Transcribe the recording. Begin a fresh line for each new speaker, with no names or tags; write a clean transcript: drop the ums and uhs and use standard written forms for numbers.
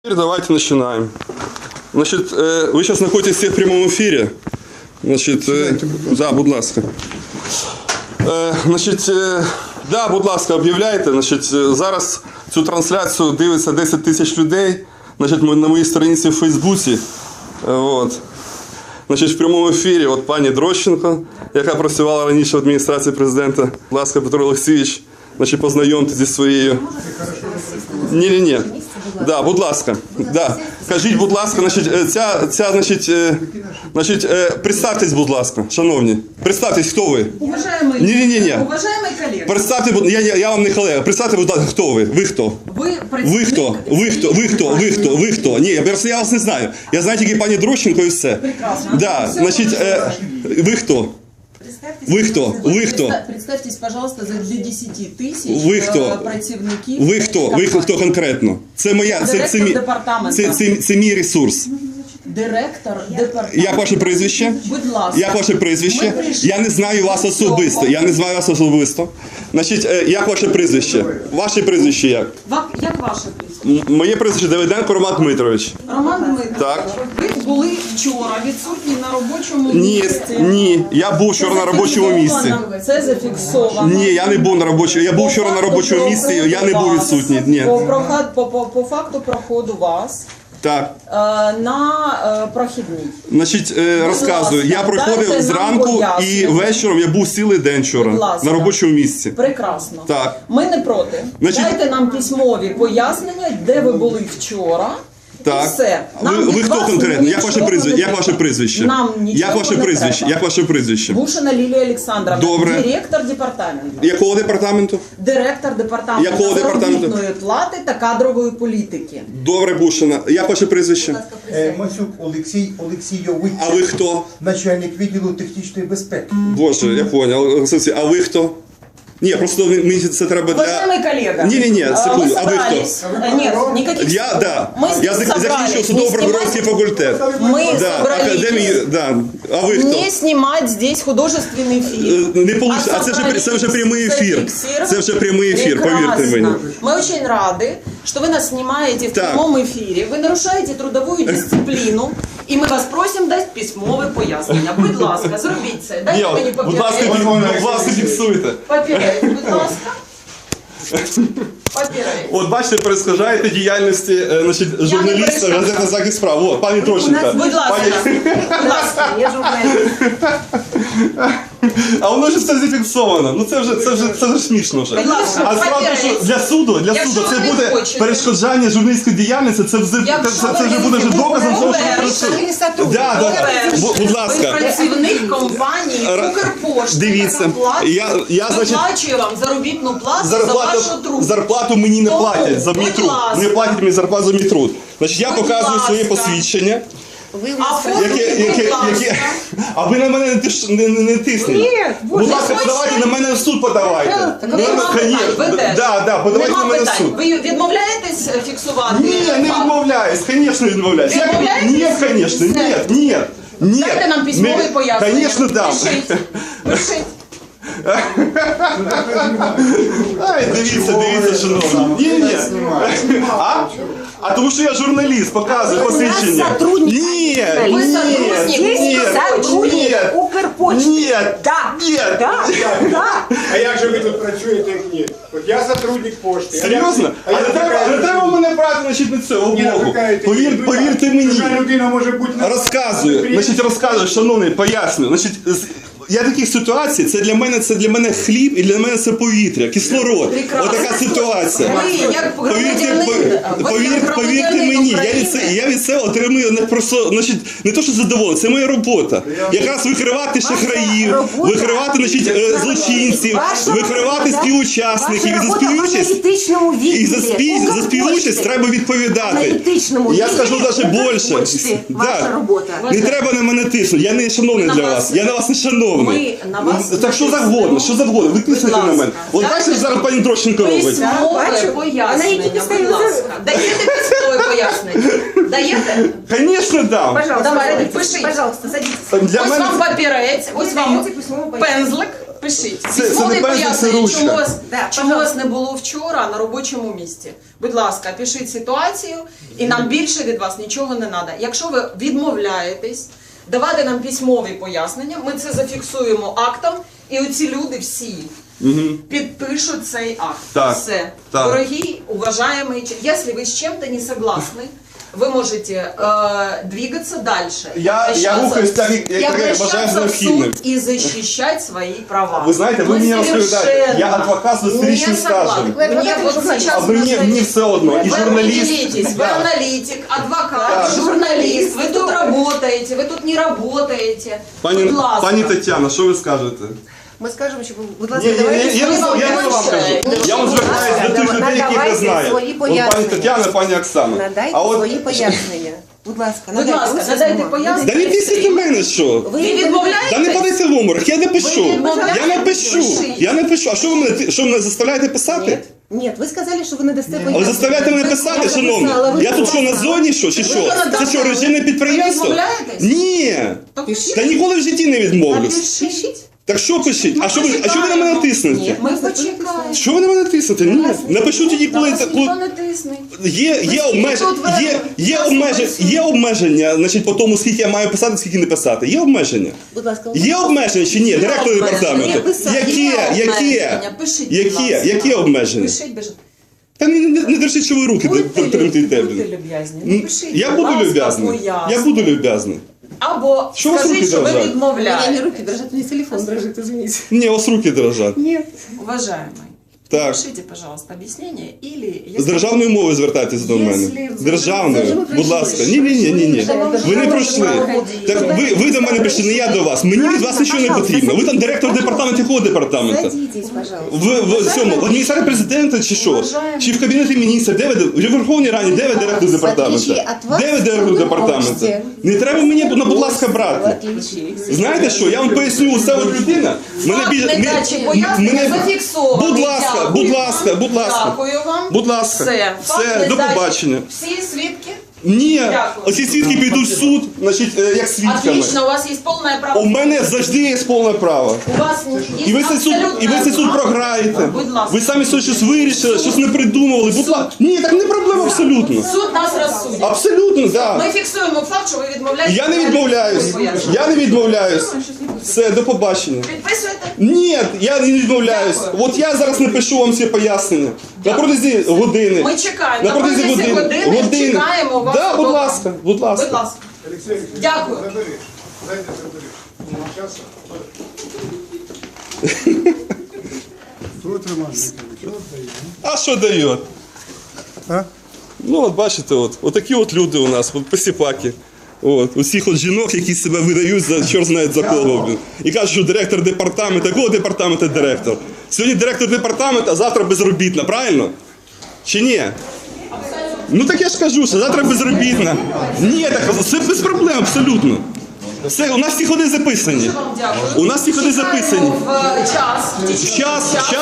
Теперь давайте начинаем. Значит, вы сейчас находитесь все в прямом эфире. Значит, да, будь ласка. Значить, да, будь ласка, об'являйте. Значить, зараз цю трансляцію дивиться 10 тисяч людей. Значить, на моїй сторінці в Фейсбуці. От. Значить, в прямому ефірі от пані Дрощенко, яка працювала раніше в адміністрації президента. Будь ласка, Петро Олексійович, значить, познайомтеся зі своєю. Ні. Да, будь ласка. Да. Кажіть, будь ласка, представтесь, будь ласка, шановні. Представтесь, хто ви?
Уважаемый,
Ні.
уважаемый коллега.
Представте, я вам не колега. Представте, будь ласка, хто ви? Ви хто? Ви хто? Ні, я вас не знаю. Я знаю тільки пані Дрощенко і все.
Прекрасно.
Да, значить, ви хто? Ви хто?
Представьтесь, пожалуйста, для 10 тысяч
Ви хто?
працівників.
Ви хто конкретно? Це моя, це мій ресурс.
Директор департаменту.
Як ваше прізвище?
Будь ласка.
Як ваше прізвище? Я не знаю вас особисто. Значить, як ваше прізвище? Ваше прізвище як?
Як ваше прізвище?
Моє прізвище Давиденко Роман Дмитрович.
Роман Дмитрович,
Так.
ви були вчора відсутні на робочому місці.
Ні, я був вчора на робочому місці.
Це зафіксовано.
Ні, я не був на робочому. Я був вчора на робочому місці, я не був відсутній. Ні.
По факту проходу вас
Так.
на прохідній.
Значить, розказую. Я проходив зранку і вечором, я був цілий день вчора на робочому місці.
Прекрасно.
Так.
Ми не проти.
Значить,
дайте нам письмові пояснення, де ви були вчора.
Так.
І все.
Ви хто конкретно? Як ваше прізвище?
Нам нічого
Як ваше прізвище?
Бушина Лілія Олександровна,
Добре.
директор департаменту.
Якого департаменту?
Директор департаменту
Якого департаменту?
заробітної плати та кадрової політики.
Добре, Бушина. Як ваше прізвище?
Масюк Олексій Олексійович.
А ви хто?
Начальник відділу технічної безпеки.
Боже, я понял. А ви хто? Ні, просто мені це треба для...
Уважаемый коллега.
Ні, секунду.
Мы
А ви хто?
собрались. Нет, никаких.
Я закінчив судово-прокурорський факультет.
Мы
Да,
собрались
академію, да. А ви хто?
не снимать здесь художественный фильм.
Не получится. А це вже прямий ефір. Це вже прямий ефір, повірте мені.
Мы очень рады, что вы нас снимаете в
Так.
прямом эфире. Вы нарушаете трудовую дисциплину. И мы вас просим дать письмове пояснення. Будь ласка, зробіть це. Дайте мені
Будь ласка, фіксуйте.
Папірець, будь ласка. Папірець.
От бачите, перешкоджаєте діяльності журналіста газети «Захист прав». От, пані Дрощенко.
Будь ласка, я журналіст.
А воно ж все зафіксовано. Ну це вже смішно вже.
Будь ласка,
А справді, що для суду
Якщо
це
ви не
буде
хочете.
перешкоджання журналістської діяльності, це вже буде вже доказом того, що будь ласка.
Ви працівник компанії Укрпошти.
Дивіться, я значить,
виплачую вам заробітну плату за вашу труд.
зарплату мені не
Тому,
платять за мій
будь
труд.
ласка.
Не платять мені зарплату за мій труд. Значить, я
Будь
показую своє
ласка.
посвідчення.
Оформіть, будь ласка.
А ви на мене не тисніть.
Ні,
будь ласка,
хочете?
подавайте на мене в суд подавайте.
Нема питань, ви теж.
Да, подавайте на
Нема
мене в
питань.
суд.
Ви відмовляєтесь фіксувати?
Ні, не
факт?
відмовляюсь, звісно відмовляюсь.
Відмовляєтесь?
Ні, звісно,
Все.
ні.
Дайте нам письмові пояснення.
Звісно, дам.
Пишіть.
Ай, дивіться, шановні. Ні. А тому що я журналіст, показую посвідчення. Ні,
Ви сотрудник
Укрпочти.
Ні.
А як же ви тут працюєте, як ні? От я сотрудник пошти.
Серйозно? А не треба мене брати, значить, на цього боку. Повірте мені.
Чужа людина може бути...
Розказую, шановний, поясню. Значить, я таких ситуацій, це для мене хліб і для мене це повітря, кислород. Отака ситуація.
Ви як
Повірте мені, я від цього отримую не то, що задоволення, це моя робота. Якраз викривати шахраїв, викривати злочинців, викривати співучасників. І за співучасть треба відповідати. Я скажу навіть більше. Не треба на мене тиснути, я не шановний для вас, я на вас не шановний. Так що завгодно, ви тиснете на мене. От бачите, зараз пані Дрощенко робить.
Письмове пояснення, будь ласка. Даєте письмове пояснення? Даєте?
Звісно, дам.
Давайте, пишіть.
Пожалуйста, садитесь.
Для
Ось
мене
вам папірець, ось вам пензлик. Пишіть.
Це
Письмові
не пензель, це
пояснення,
ручка.
чому вас не було вчора на робочому місці. Будь ласка, пишіть ситуацію, і нам більше від вас нічого не треба. Якщо ви відмовляєтесь давати нам письмові пояснення, ми це зафіксуємо актом, і оці люди всі підпишуть цей акт.
Так,
Все.
так.
Дорогі, уважаемые, если вы с чем-то не согласны, вы можете двигаться дальше.
Я рухаюсь так, як я вважаю за
обращаться в
необхідним.
суд и защищать свои права.
Ви знаєте, ви
Мы
мені розповідаєте,
совершенно
я адвокат з 20-річним
не
стажем.
согласны. Мне вот сейчас
А мені все одно, і
вы
журналіст.
определитесь, вы
Да.
аналитик, адвокат,
Так.
журналист, вы тут работаете, вы тут не работаете. Будь ласка.
Пані Тетяна, що ви скажете?
Ми скажемо, що ви, будь
Ні,
ласка,
ні,
давайте
ні, я не
свої
вам
більше.
кажу. Я вам звертаюся до тих людей, яких я
Надавайте
знаю.
свої
От пані
пояснення.
Тетяна, пані Оксана.
Надайте
А от
свої пояснення. Будь ласка,
Будь ласка,
ось
надайте
бумагу.
пояснення.
Да не пісіть на мене, що?
Ви відмовляєтесь?
Да не падайте в оморок, я не пишу.
Ви відмовляєтесь?
Я не пишу.
Пишіть.
Я не пишу. А що ви мене заставляєте писати?
Ні, ви сказали, що ви не дасте
А ви
пояснення.
заставляєте мене писати,
Я
шановні?
написала, ви
Я тут що, на
написали.
зоні, що? Чи що? Це що, режимне підприємство?
Ви відмовляєтесь?
Ні.
То пишіть.
Та ніколи в житті не відмовлюсь.
Пишіть.
Так що пишіть? А що ви на мене тиснете?
Ні, ми почекаємо.
Що ви на мене тиснете? Ні. Напишу тоді,
Та
коли...
вас ніхто не тисне.
Є обмеження, значить, по тому, скільки я маю писати, скільки не писати. Є обмеження.
Будь ласка,
Є обмеження чи ні? Директор
обмеження.
департаменту.
обмеження. Пишіть, будь ласка.
Які обмеження?
Пишіть, бежить.
Та не держіть, що ви руки тремтите.
Будьте люб'язні. Ну, пишіть,
Я
будь
буду
ласка,
люб'язний.
пояснення.
Я буду люб'язний.
Або
Що у вас
скажіть,
руки
що ви
дрожать?
у
відмовляєте.
мене руки дрожать, у мене телефон дрожить, извините.
Ні, у вас руки дрожать.
Нет.
Уважаемый,
Так.
пишите, пожалуйста, объяснение или...
З державною мовою звертайтесь до мене.
Якщо-
Державною, будь ласка. Ні. Ви не пройшли. Так ви до мене прийшли, не я до вас. Мені від вас нічого не потрібно. Ви там директор департаменту, якого департаменту?
Садитесь, пожалуйста.
В цьому, в адміністрації президента чи що? Чи в кабінеті міністра? Де ви? В Верховній Раді, де ви директор департаменту? Де ви директор департаменту? Не треба мені, будь ласка, брати. Знаєте що, я вам поясню, це от людина.
Факт недачі пояснення зафіксований.
Будь ласка.
Дякую вам.
Будь ласка.
Все, факт
Все, до
недачі.
побачення.
Всі свідки?
Ні,
Дякую.
оці свідки підуть в суд, значить, як свідками.
Отлично, у вас есть полное право.
У мене завжди є повне право.
У вас есть
І ви цей суд
абсолютное
програєте.
Будь ласка.
Ви самі щось вирішили, щось не придумували. Будь ласка. Ні, так не проблема абсолютно.
Суд нас розсудить.
Абсолютно, так.
Ми фіксуємо факт, що ви відмовляєтесь.
Я не відмовляюсь. Я не відмовляюсь. Все, до побачення.
Підписуєте?
Ні, я не відмовляюсь.
Дякую.
От я зараз напишу вам всі пояснення. На протязі години.
Ми чекаємо.
На протязі години.
Чекаємо вас.
Да, будь
вдома.
ласка, будь ласка.
Будь ласка.
Алексей Алексеевич,
Дякую.
забери. Дайте забери. Сейчас.
А що дає? Ну, от бачите, от такі от люди у нас, от посіпаки. От, усіх от жінок, які себе видають за чорт знає за кого. Блін. І кажуть, що директор департаменту, якого департаменту директор? Сьогодні директор департаменту, а завтра безробітна, правильно? Чи ні? Ну так я ж кажу, що завтра безробітна. Ні, так це без проблем, абсолютно. Все, у нас всі ходи записані.
Вам дякую.
У нас всі ходи записані.
Чекаємо в час.
Час.